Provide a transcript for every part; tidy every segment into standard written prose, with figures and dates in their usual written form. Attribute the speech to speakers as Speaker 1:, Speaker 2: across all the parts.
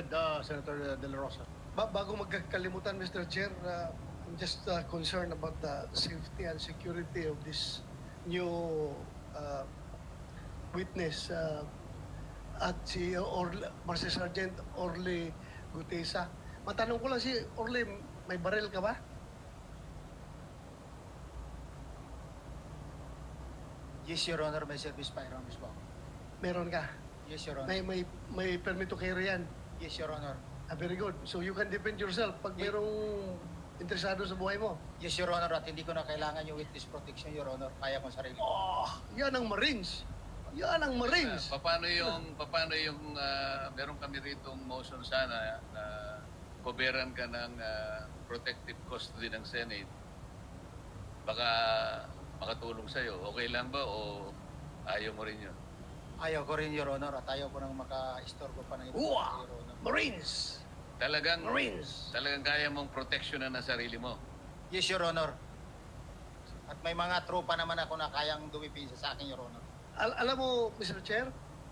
Speaker 1: ahead, Senator De La Rosa.
Speaker 2: Bago magkakalimutan, Mr. Chair, I'm just concerned about the safety and security of this new witness at si Master Sergeant Orly Gutesa. Matanong ko lang si Orly, may baril ka ba?
Speaker 3: Yes, Your Honor, may service firearms po.
Speaker 2: Meron ka?
Speaker 3: Yes, Your Honor.
Speaker 2: May permit to carry yan?
Speaker 3: Yes, Your Honor.
Speaker 2: Very good. So you can defend yourself pag merong interesado sa buhay mo.
Speaker 3: Yes, Your Honor, at hindi ko na kailangan yung witness protection, Your Honor. Kaya ko sarili.
Speaker 2: Oh, yan ang Marines. Yan ang Marines.
Speaker 4: Paano yung meron kami rito motion sana na koberan ka ng protective custody ng Senate. Baka makatulong sa'yo. Okay lang ba o ayaw mo rin yun?
Speaker 3: Ayaw ko rin, Your Honor, at ayaw ko nang maka-istorbo pa ng iba,
Speaker 2: Uwa!
Speaker 3: Your Honor.
Speaker 2: Marines!
Speaker 4: Talagang
Speaker 2: Marines!
Speaker 4: kaya mong proteksyonan ng sarili mo.
Speaker 3: Yes, Your Honor. At may mga tropa naman ako na kayang dumipisa sa akin, Your Honor.
Speaker 2: Alam mo, Mr. Chair,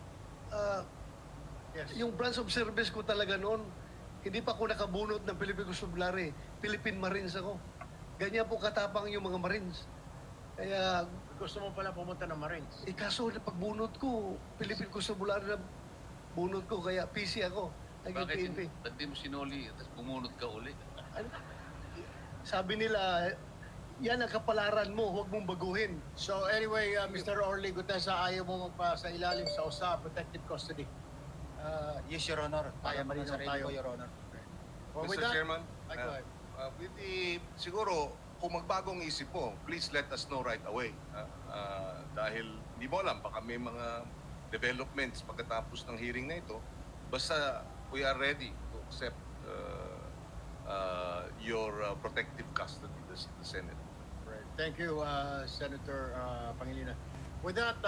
Speaker 1: Yes.
Speaker 2: yung branch of service ko talaga noon, hindi pa ako nakabunot ng Philippine Constabulary. Philippine Marines ako. Ganyan po katapang yung mga Marines. Kaya,
Speaker 1: Gusto mo pala pumunta ng Marines.
Speaker 2: kaso na pagbunot ko, Philippine Constabulary na bunot ko, kaya PC ako. Naging PNP.
Speaker 4: Ba't di mo sinuli at bumunot ka uli?
Speaker 2: Sabi nila, yan ang kapalaran mo, huwag mong baguhin.
Speaker 1: So anyway, Mr. Orly Gutesa, ayaw mo magpa sa ilalim sa USA protective custody.
Speaker 3: Yes, Your Honor. Kaya mo rin
Speaker 1: Malinaw
Speaker 3: sarili
Speaker 1: tayo.
Speaker 3: ko, Your Honor.
Speaker 1: Well, with
Speaker 5: Mr.
Speaker 1: that,
Speaker 5: Chairman,
Speaker 1: Ay, go ahead.
Speaker 5: with the, siguro, kung magbagong isip mo, please let us know right away. Dahil hindi mo alam, baka may mga developments pagkatapos ng hearing na ito. Basta we are ready to accept your protective custody, the Senate.
Speaker 1: Thank you, Senator Pangilinan. With that,